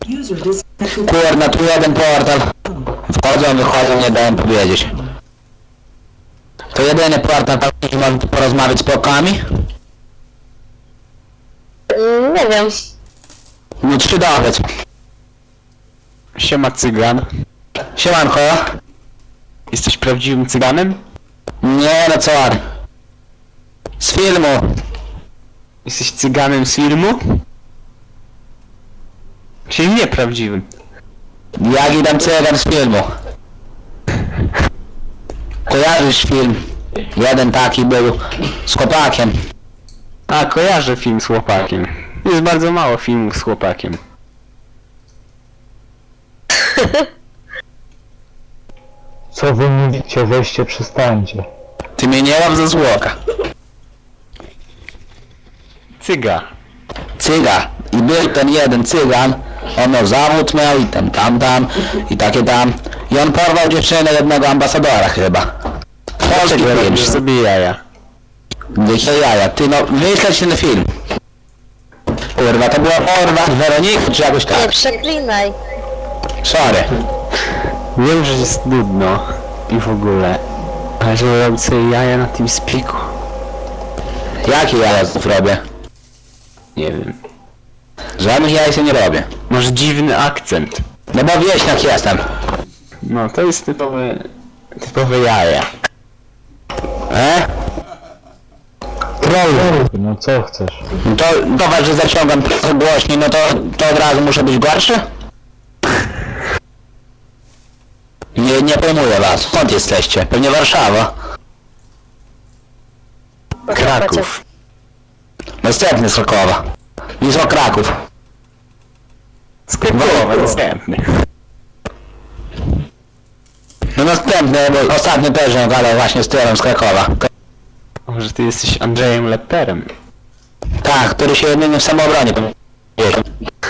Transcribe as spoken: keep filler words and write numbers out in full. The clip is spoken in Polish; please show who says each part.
Speaker 1: Kurna, tu jeden portal. Wchodzą, wychodzą, nie dałem powiedzieć. To jedyny portal, tam gdzie można porozmawiać z pokami?
Speaker 2: Mm, nie wiem.
Speaker 1: No trzy dowiedz.
Speaker 3: Siema cygan.
Speaker 1: Siemanko.
Speaker 3: Jesteś prawdziwym cyganem?
Speaker 1: Nie no co? Z filmu.
Speaker 3: Jesteś cyganem z filmu? Czyli nieprawdziwym.
Speaker 1: Jak idam cygan z filmu. Kojarzysz film? Jeden taki był z chłopakiem.
Speaker 3: A, kojarzę film z chłopakiem. Jest bardzo mało filmów z chłopakiem.
Speaker 4: Co wy mówicie? Weźcie, przestańcie.
Speaker 1: Ty mnie nie łap za złoka.
Speaker 3: Cyga.
Speaker 1: Cyga. I był ten jeden cygan. On miał zawód miał i ten tam tam i takie tam. I on porwał dziewczynę jednego ambasadora chyba. Polski
Speaker 3: Robisz
Speaker 1: robisz.
Speaker 3: sobie jaja.
Speaker 1: Jakie jaja. Ty no, wyśleć ten film. Kurwa, to była porwa Weroniki czy jakoś
Speaker 2: Nie
Speaker 1: tak.
Speaker 2: przeklinaj.
Speaker 1: Sorry.
Speaker 3: Wiem, że jest nudno i w ogóle. Ale żeby robić sobie jaja na tym spiku.
Speaker 1: Jakie jaja zrobię?
Speaker 3: Nie wiem.
Speaker 1: Żadnych jaj się nie robię.
Speaker 3: Masz dziwny akcent.
Speaker 1: No bo wieśniak jestem.
Speaker 3: No to jest typowe... typowe jaja.
Speaker 1: E?
Speaker 4: Troll! No co chcesz?
Speaker 1: No to zobacz, że zaciągam trochę głośniej, no to, to od razu muszę być gorszy? Nie, nie pojmuję was. Skąd jesteście? Pewnie Warszawa.
Speaker 3: Kraków.
Speaker 1: Następny z Krakowa. Wisła Kraków.
Speaker 3: Z Krakowa, następny.
Speaker 1: No następny, bo ostatnio też nie gadał właśnie z tyłem z Krakowa.
Speaker 3: Może ty jesteś Andrzejem Lepperem?
Speaker 1: Tak, który się jedynie w samoobronie powiedział.